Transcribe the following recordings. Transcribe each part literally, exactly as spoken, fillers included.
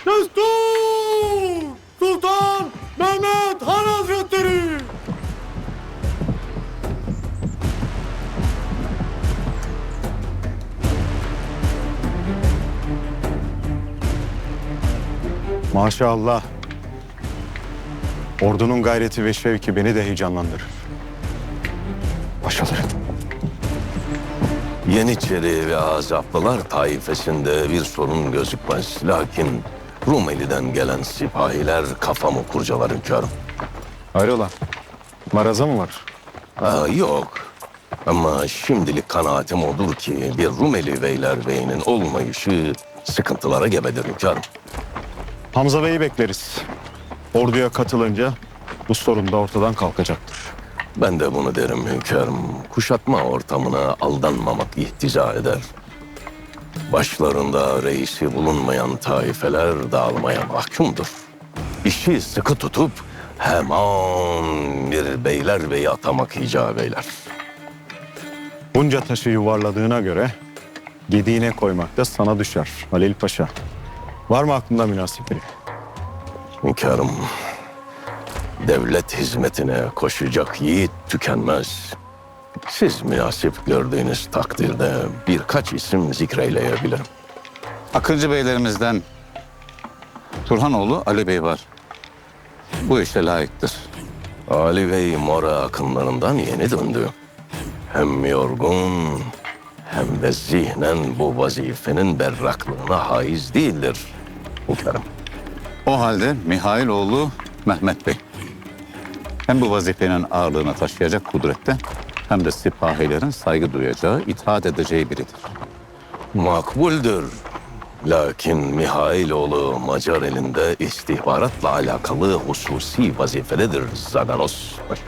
Destur! Sultan Mehmet Han Hazretleri! Maşallah. Ordunun gayreti ve şevki beni de heyecanlandırır. Paşalarım. Yeniçeri ve Azaplılar taifesinde bir sorun gözükmez. Lakin Rumeli'den gelen sipahiler kafamı kurcalar hünkârım. Hayrola? Maraza mı var? Ha, yok. Ama şimdilik kanaatim odur ki bir Rumeli beylerbeyinin olmayışı sıkıntılara gebedir hünkârım. Hamza Bey'i bekleriz. Orduya katılınca bu sorun da ortadan kalkacaktır. Ben de bunu derim hünkârım. Kuşatma ortamına aldanmamak ihtica eder. Başlarında reisi bulunmayan taifeler dağılmaya mahkumdur. İşi sıkı tutup hemen bir beylerbeyi atamak icap eyler. Bunca taşı yuvarladığına göre gediğine koymak da sana düşer Halil Paşa. Var mı aklında münasip biri? Hünkârım, devlet hizmetine koşacak yiğit tükenmez. Siz münasip gördüğünüz takdirde birkaç isim zikreyleyebilirim. Akıncı beylerimizden Turhanoğlu Ali Bey var. Bu işe layıktır. Ali Bey Mora akınlarından yeni döndü. Hem yorgun hem de zihnen bu vazifenin berraklığına haiz değildir hünkârım. O halde Mihailoğlu Mehmet Bey. Hem bu vazifenin ağırlığını taşıyacak kudrette hem de sipahilerin saygı duyacağı, itaat edeceği biridir. Makbuldür. Lakin Mihailoğlu Macar elinde istihbaratla alakalı hususi vazifededir Zaganos Paşa.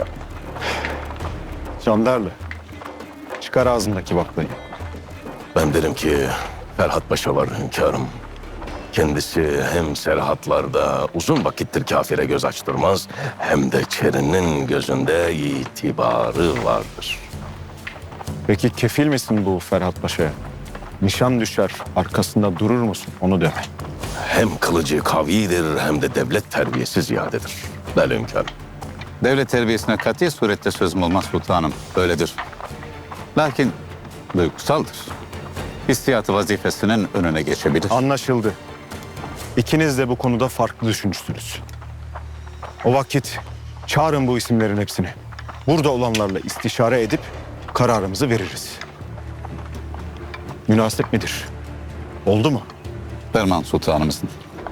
Candarlı. Çıkar ağzındaki baklayı. Ben derim ki Ferhat Paşa var hünkârım. Kendisi hem serhatlarda uzun vakittir kafire göz açtırmaz, hem de Çeri'nin gözünde itibarı vardır. Peki kefil misin bu Ferhat Paşa'ya? Nişan düşer, arkasında durur musun? Onu deme. Hem kılıcı kavidir hem de devlet terbiyesi ziyadedir. Bel hünkârım. Devlet terbiyesine kati surette sözüm olmaz sultanım. Öyledir. Lakin duygusaldır. Hissiyatı vazifesinin önüne geçebilir. Anlaşıldı. İkiniz de bu konuda farklı düşünürsünüz. O vakit çağırın bu isimlerin hepsini. Burada olanlarla istişare edip kararımızı veririz. Münasip midir? Oldu mu? Ferman sultanımızın.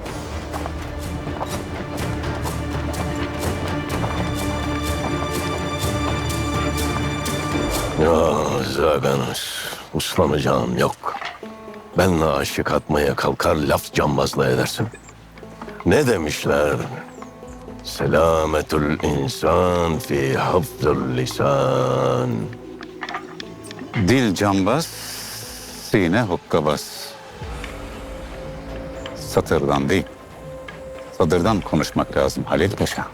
Ya Zaganos, uslanacağım yok. Benle aşık atmaya kalkar, laf cambazla edersin. Ne demişler? Selametül insan fi hafzül lisan. Dil cambaz, sine hokkabaz. Satırdan değil, sadırdan konuşmak lazım Halil Paşa.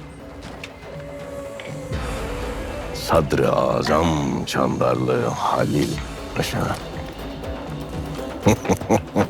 Sadr-ı Azam Çandarlı Halil Paşa.